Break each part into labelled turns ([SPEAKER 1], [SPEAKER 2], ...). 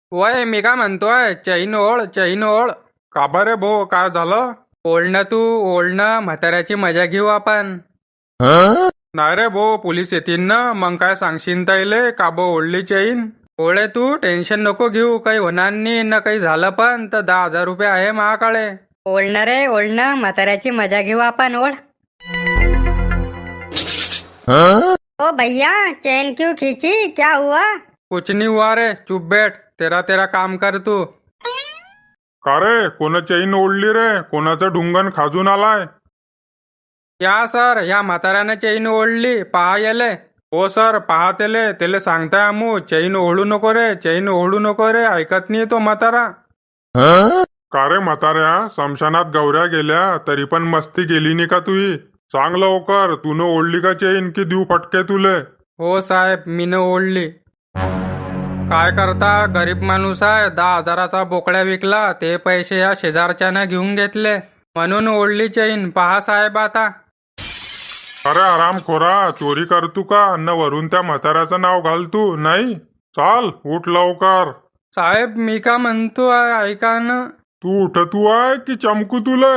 [SPEAKER 1] वय मी काय म्हणतोय, चैन ओळ चैन ओळ.
[SPEAKER 2] का बरे भो, काय झालं?
[SPEAKER 1] ओढणं तू ओढणं, म्हाताऱ्याची मजा घेऊ आपण.
[SPEAKER 2] नाही रे भो, पोलीस येतील ना, मग काय सांगशील ताईले का बो ओढली चैन?
[SPEAKER 1] ओळे तू टेन्शन नको घेऊ, काही होणार नाही ना. काही झालं पण तर 10,000 रुपये आहे महाकडे.
[SPEAKER 3] ओढणं रे ओढणं, म्हाताऱ्याची मजा घेऊ आपण. ओढ. ओ भैया, चैन क्यों खींची, क्या हुआ?
[SPEAKER 1] कुछ नहीं हुआ रे, चुप बैठ. तेरा तेरा काम कर तू.
[SPEAKER 2] का रे, कोण चैन ओढली रे? कोणाचं ढुंगण खाजून आलाय?
[SPEAKER 1] या सर, या म्हाताऱ्याने चैन ओढली, पहा येले.
[SPEAKER 2] हो सर, पहा त्याले सांगताय आमू, चैन ओढू नको रे, चैन ओढू नको रे, ऐकत नाही तो म्हातारा. का रे म्हाताऱ्या, समशानात गौऱ्या गेल्या तरी पण मस्ती गेली नाही का तुही? सांग लवकर, तून ओढली का चैन की देऊ फटके तुले?
[SPEAKER 1] हो साहेब, मीनं ओढली. काय करता, गरीब माणूस आहे. 10,000चा बोकड्या विकला, ते पैसे या शेजारच्यानं घेऊन घेतले, म्हणून ओढली चैन. पहा साहेब आता.
[SPEAKER 2] अरे आरामखोरा, चोरी करतू का? अन्न वरून त्या म्हाताऱ्याचं नाव घाल तू, नाही? चाल, उठ लवकर.
[SPEAKER 1] साहेब मी का म्हणतो आहे, ऐका ना.
[SPEAKER 2] तू उठतू आहे की चमकू तुले?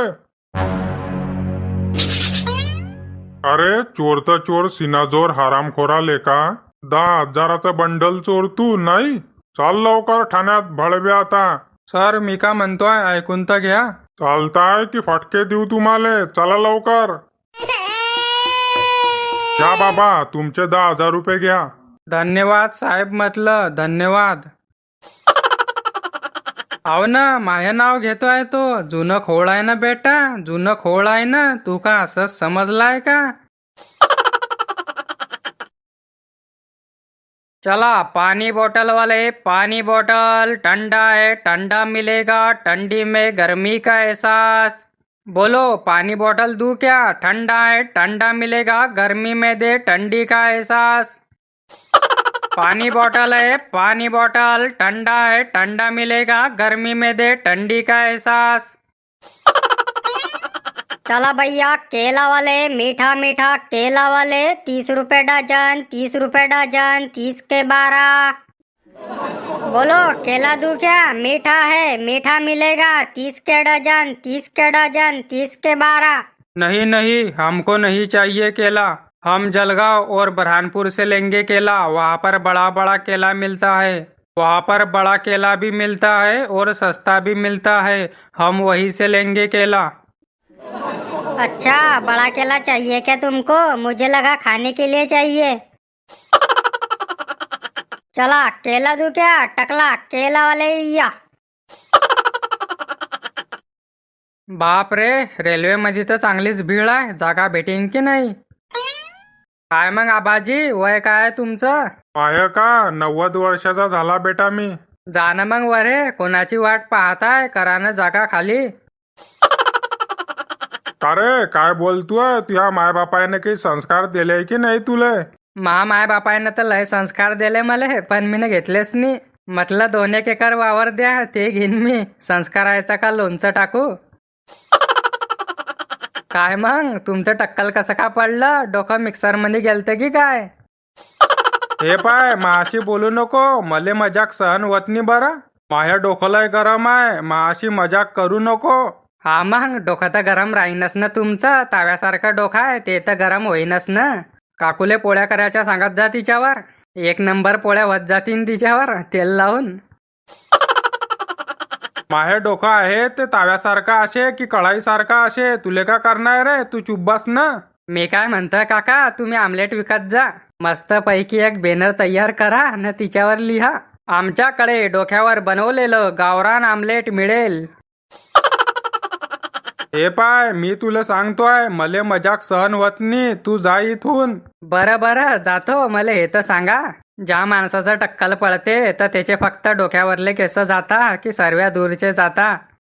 [SPEAKER 2] अरे चोर तर चोर, सिनाजोर हरामखोरा लेका. 10,000चं बंडल चोर तू, नाही? चाल लवकर ठाण्यात, भळवे आता.
[SPEAKER 1] सर मी का म्हणतोय, ऐकून तर घ्या.
[SPEAKER 2] चालताय की फटके देऊ तुम्हाला? चला लवकर. घ्या बाबा, तुमचे 10,000 रुपये घ्या.
[SPEAKER 1] धन्यवाद साहेब, म्हटलं धन्यवाद. अहो ना, माझं नाव घेतोय तो. जुनं खोळ आहे ना बेटा, जुनं खोळ आहे ना. तू का असंच समजलाय का? चला पानी बोतल वाले, पानी बोतल. ठंडा है, ठंडा मिलेगा, ठंडी में गर्मी का एहसास. बोलो, पानी बोतल दूं क्या? ठंडा है, ठंडा मिलेगा, गर्मी में दे ठंडी का एहसास. पानी बोतल है, पानी बोतल. ठंडा है, ठंडा मिलेगा, गर्मी में दे ठंडी का एहसास.
[SPEAKER 3] चला भैया, केला वाले, मीठा मीठा केला वाले, 30 रुपए डजन, 30 रुपए डजन, 30 के 12. बोलो, केला दूं क्या? मीठा है, मीठा मिलेगा, 30 के डजन, 30 के डजन, 30 के 12.
[SPEAKER 1] नहीं नहीं, हमको नहीं चाहिए केला. हम जलगांव और बुरहानपुर से लेंगे केला. वहाँ पर बड़ा बड़ा केला मिलता है. वहाँ पर बड़ा केला भी मिलता है और सस्ता भी मिलता है. हम वहीं से लेंगे केला.
[SPEAKER 3] अच्छा, बड़ा केला चाहिए क्या तुमको? मुझे लगा खाने के लिए चाहिए. चला, केला दूं क्या? टकला केला वाले या.
[SPEAKER 1] बाप रे, रेल्वे मध्ये तर चांगलीच भीड आहे. जागा भेटेन की नाही? काय मग आबाजी, वय काय आहे तुमचं?
[SPEAKER 2] आहे का? 90 वर्षाचा झाला बेटा मी.
[SPEAKER 1] जाणं मग वरे, कोणाची वाट पाहताय? करा ना जागा खाली.
[SPEAKER 2] का रे, काय बोलतोय? तुझ्या मायबापाने काही संस्कार दिले की नाही तुले?
[SPEAKER 1] माय बापायनं तर लय संस्कार दिले मले, पण मी घेतलेच नाही. म्हटलं 2-1 एकर वावर द्या, ते घेईन मी. संस्कारायचा का लोणचं टाकू? काय मग, तुमचं टक्कल कसं का पडलं? डोकं मिक्सर मध्ये गेलतं की काय?
[SPEAKER 2] हे पाय, माशी बोलू नको, मले मजाक सहन होत नाही बरं. माझ्या डोकं गरम आहे, माशी मजाक करू नको.
[SPEAKER 1] हा मग, डोकं तर गरम राहीनच ना तुमचं. ताव्यासारखं डोकं आहे, ते तर गरम होईनच ना. काकुले पोळ्या करायच्या सांगत जा तिच्यावर. 1 नंबर पोळ्या होत जातीन तिच्यावर तेल लावून.
[SPEAKER 2] माझे डोकं आहे ते ताव्यासारखा असे की कढाईसारखा असे, तुले का करणार रे? तू चुप बस ना.
[SPEAKER 1] मी काय म्हणतोय काका, तुम्ही आमलेट विकत जा. मस्त पैकी एक बॅनर तयार करा न तिच्यावर लिहा, आमच्याकडे डोक्यावर बनवलेलं गावरान आमलेट मिळेल.
[SPEAKER 2] हे पाय, मी तुला सांगतोय, मले मजाक सहन होत नाही. तू जा इथून.
[SPEAKER 1] बरं बरं, जातो. मला हे तर सांगा, ज्या माणसाचं टक्कल पडते तर त्याचे फक्त डोक्यावरले केस जाता की सर्व दूरचे जाता?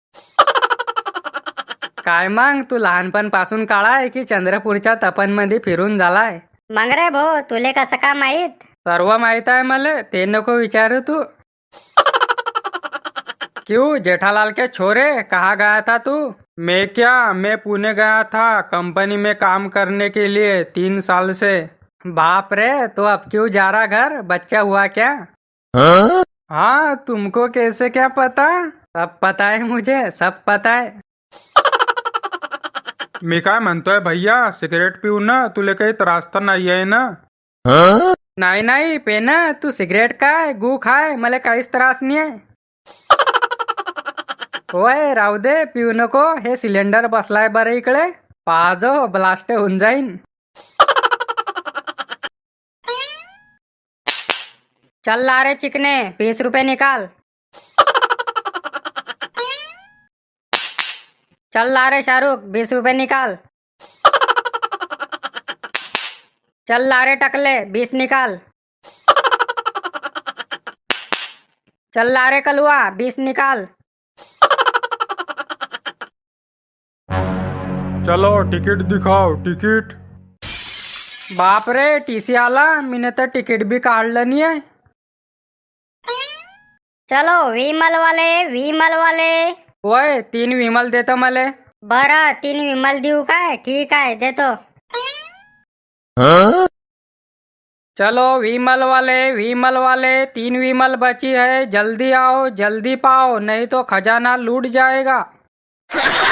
[SPEAKER 1] काय मग, तू लहानपणापासून काळाय की चंद्रपूरच्या तपनमध्ये फिरून झालाय?
[SPEAKER 3] मग रे भो, तुले कसं का माहित?
[SPEAKER 1] सर्व माहित आहे मला, ते नको विचारू तू. क्यों जेठालाल के छोरे, कहाँ गया था तू?
[SPEAKER 2] मैं पुणे गया था, कंपनी में काम करने के लिए 3 साल से.
[SPEAKER 1] बाप रे, तो अब क्यों जा रहा घर? बच्चा हुआ क्या? हाँ, तुमको कैसे क्या पता? सब पता है मुझे, सब पता है.
[SPEAKER 2] मी काय म्हणतोय भैया, सिगरेट पिऊ ना, तुले काही त्रास तर नाही आहे ना?
[SPEAKER 1] नाही नाही पेना, तू सिगरेट काय गू खाय, मला काहीच त्रास नाही आहे. होय राहू दे, पिऊ नको. हे सिलेंडर बसलाय बरं इकडे, पाहजो ब्लास्ट होऊन जाईन. चल ला रे चिकने, 20 रुपये निकाल. चल ला रे शाहरुख, 20 रुपये निकाल. चल ला रे टकले, 20 निकाल. चल ला रे कलुआ, 20 निकाल.
[SPEAKER 2] चलो तिकीट दिखाओ, तिकीट.
[SPEAKER 1] बाप रे, टीसी आला. मीने तर तिकीट बी काढलं नाही आहे.
[SPEAKER 3] चलो विमल वाले.
[SPEAKER 1] होय 3 विमल देतो मले.
[SPEAKER 3] बरं 3 विमल देऊ काय? ठीक आहे देतो.
[SPEAKER 1] चलो विमल वाले 3 विमल बची है. जल्दी आओ, जल्दी पाओ, नहीं तो खजाना लूट जाएगा.